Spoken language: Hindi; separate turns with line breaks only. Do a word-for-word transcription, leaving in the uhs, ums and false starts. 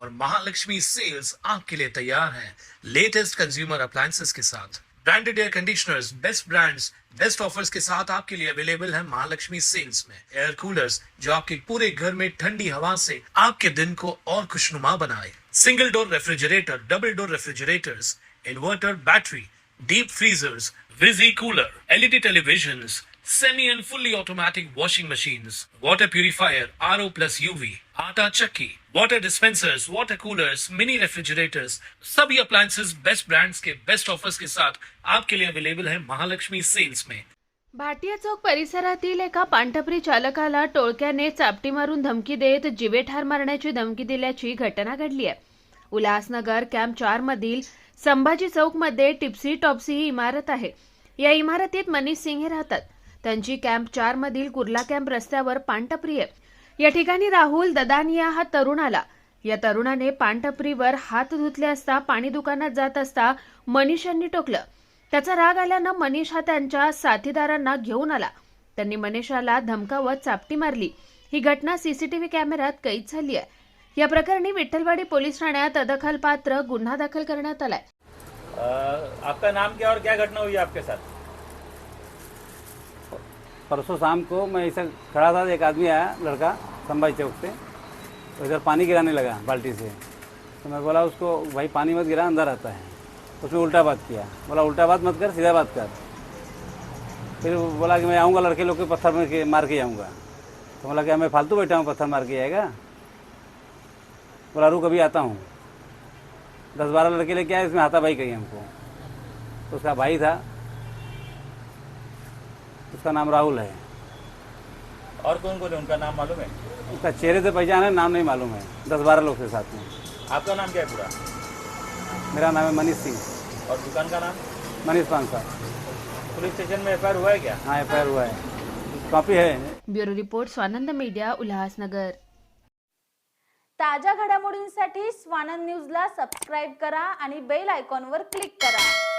और महालक्ष्मी सेल्स आपके लिए तैयार है लेटेस्ट कंज्यूमर अप्लायंसेस के साथ। Branded air conditioners, best brands, best offers के साथ आपके लिए अवेलेबल है महालक्ष्मी सेल्स में। एयर कूलर्स जो आपके पूरे घर में ठंडी हवा से आपके दिन को और खुशनुमा बनाए। Single door refrigerator, double door refrigerators, inverter battery, deep freezers, विजी cooler, LED televisions, semi and fully automatic washing machines, water purifier, RO plus UV, आटा चक्की, water dispensers, water coolers, mini refrigerators, सभी अप्लायंसेस बेस्ट ब्रांड्स के बेस्ट ऑफर्स के साथ आपके लिए अवेलेबल है महालक्ष्मी सेल्स में।
भाटिया चौक परिसरातील एका पानटपरी चालकाला टोळक्याने चापटी मारून धमकी देत जीवे ठार मारण्याची धमकी दिल्याची घटना घडली आहे। उल्हासनगर कॅम्प चार मधील संभाजी चौक मध्ये टिप्सी टॉप्सी ही इमारत आहे। या इमारतीत मनीष सिंह राहतात। त्यांची कॅम्प चार मधील कुर्ला कॅम्प रस्त्यावर पानटपरी आहे। या ठिकाणी राहुल ददानिया हा तरुण आला। या तरुणाने पानटपरीवर हात धुतले असता पाणी दुकानात जात असता मनीष यांनी टोकलं। त्याचा राग आल्यानं मनीष हा त्यांच्या साथीदारांना घेऊन आला। त्यांनी मनीषाला धमकावत चापटी मारली। ही घटना सीसीटीव्ही कॅमेऱ्यात कैद झाली आहे। या प्रकरणी विठ्ठलवाडी पोलीस ठाण्यात अदखलपात्र गुन्हा दाखल करण्यात आलाय।
आपका नाम क्या और क्या घटना हुई आपके साथ?
परसों शाम को मैं ऐसा खड़ा था, एक आदमी आया लड़का संभाजी चौक से, तो इधर पानी गिराने लगा बाल्टी से। तो मैं बोला उसको, भाई पानी मत गिरा, अंदर आता है। उसने उल्टा बात किया। बोला उल्टा बात मत कर, सीधा बात कर। फिर बोला कि मैं आऊँगा, लड़के लोग के पत्थर में के मार के आऊँगा। तो बोला क्या मैं फालतू बैठा हूँ, पत्थर मार के आएगा? बोला रुक अभी आता हूँ। दस बारह लड़के लेके आए, इसमें हाथापाई कही हमको। तो उसका भाई था, उसका नाम राहुल है।
और कौन कौन है, उनका नाम मालूम है?
उसका चेहरे से पहचान है, नाम नहीं मालूम है। दस बारह लोग थे साथ में।
आपका नाम क्या है पूरा?
मेरा नाम है मनीष सिंह।
और दुकान का नाम?
मनीष पांसा।
पुलिस स्टेशन में एफ आई आर हुआ है क्या?
हाँ एफ आई आर हुआ है, कॉपी है।
Bureau report Swanand media, Ulhasnagar.
ताज्या घडामोडींसाठी स्वानंद न्यूजला सबस्क्राईब करा आणि बेल आयकॉनवर क्लिक करा।